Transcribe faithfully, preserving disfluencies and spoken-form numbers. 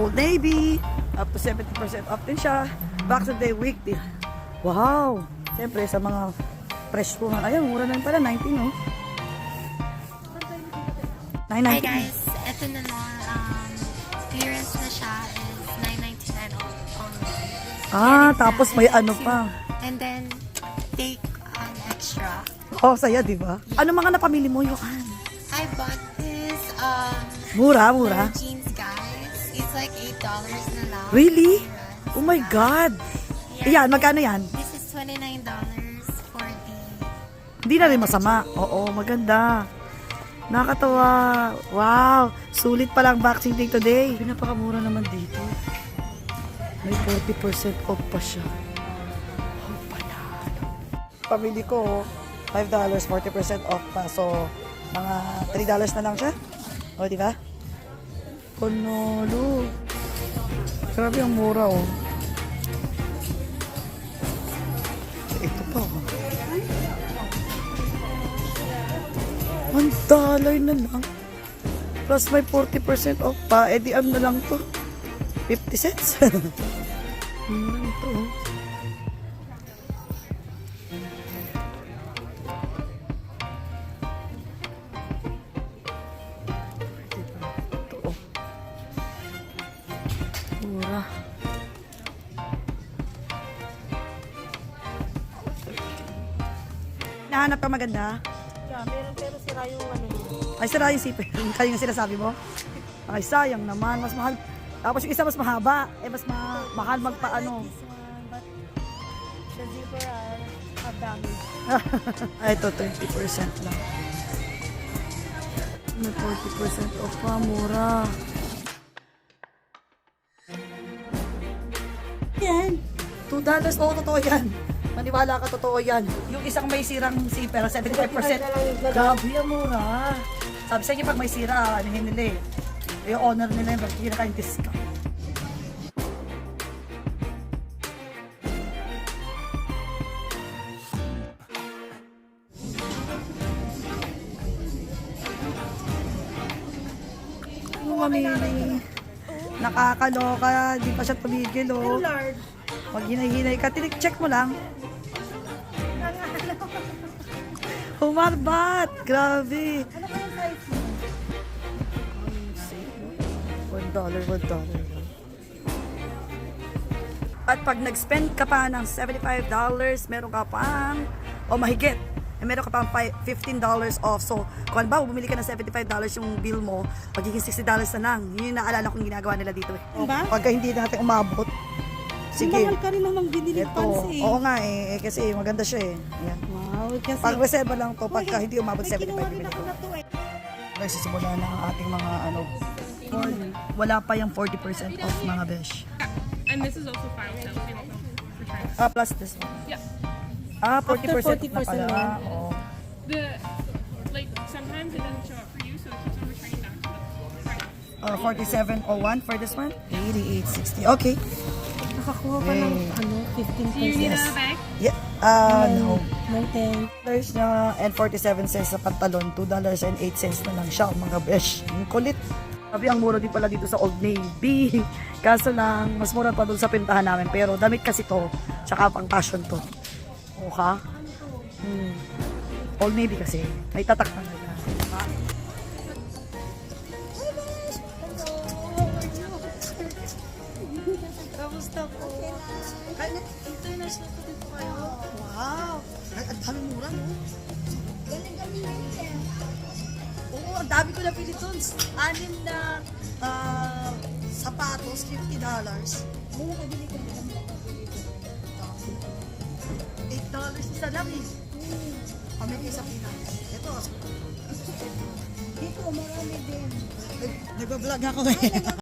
Old Navy. Up to seventy percent off din siya. Back to the week din. Wow! Siyempre, sa mga fresh po. Ayan, mura na rin pala. nineteen, oh. Hi nine ninety. guys, ito na na, um, clearance na siya is nine ninety-nine online. Ah, tapos may ano pa. And then, take an extra. Oh, saya, di ba? Ano mga napamili mo, Yohan? I bought this, um, Mura, mura. pair of jeans guys. It's like eight dollars na lang. Really? Oh my God! Ayan, magkano yan? This is twenty-nine dollars for the... Hindi na rin masama. Oo, maganda. Nakakatawa. Wow! Sulit pala ang Boxing Day today. Pinapakamura naman dito. May forty percent off pa siya. Oh, panalo. Pamili ko, five dollars, forty percent off pa. So, mga three dollars na lang siya. O, di ba? Panalo. Grabe ang mura, oh. Ito pa, oh. One dollar na lang. Plus may forty percent off pa. Eh di ano na lang to? fifty cents? Ano lang to? Ito, oh. Mura. Nahanap ka maganda? Yeah, meron pero sira yung ano. Ay, sira yung sipin. Kaya yung sinasabi mo? Ay, sayang naman. Mas mahal. Tapos yung isa mas mahaba. Eh, mas ma mahal magpaano. This one, but the zipper are have damage. Ay, ito, twenty percent lang. May forty percent off pa. Mura. Yan. two dollars. Oo, totoo yan. Maniwala ka, totoo yan. Yung isang may sirang zipper, seventy-five percent. Grabe, ang mura. Sabi sa inyo, pag may sira, ano nila eh. Yung owner nila yung magkikita kayong discount. Ang mamili. Nakakaloka, di pa siya tumigil, oh. Lord. Pag hinay-hinay ka, tinik-check mo lang. Humarbat! Grabe! Ano ba yung size mo? One dollar, one dollar. At pag nag-spend ka pa ng seventy-five dollars, meron ka pang, o mahigit, eh, meron ka pang fifteen dollars off. So, kung ba, bumili ka ng seventy-five dollars yung bill mo, magiging sixty dollars na lang. Yun yung naalala kong ginagawa nila dito. Eh. Ba? Pagka hindi natin umabot, sige. Mahal ka rin namang binili Ito, pants eh. oo nga eh, eh, kasi maganda siya eh. Ayan. Wow, kasi... Pag reserva lang to, pagka Uy, hindi umabot may seventy-five kinuha rin ako minutes. na to eh. Nagsisimula na ang ating mga ano, forty. Wala pa yung forty percent off mga besh. And this is also file sale. You know, for China. Ah, plus this one. Yeah. Ah, forty percent forty na percent pala. na. Oo. The like sometimes it doesn't show up for you, so it keeps on returning back to the price. Uh, forty-seven oh one for this one. eighty-eight sixty. Okay. Nakakuha ka ng ano, fifteen Do you need pesos. a bag? Yeah. Ah, no. No, ten. Dollars na and forty-seven cents sa pantalon. two dollars and eight cents na lang siya, mga besh. Ang kulit. Sabi, ang mura din pala dito sa Old Navy. Kaso lang, mas mura pa doon sa pintahan namin. Pero damit kasi to, tsaka pang fashion to. O ha? Hmm. Old Navy kasi. May tatak na nila. Kamusta po? Kaya international po dito kayo. Wow! Ay, ang dami mura, no? Oo, ang dami ko na pili doon. Anim na ah, sapatos, fifty dollars. May nakabili ko din. eight dollars isa lang eh. Kami isa Pinas. Ito. Dito, marami din. Nag- Nagbablog ako eh.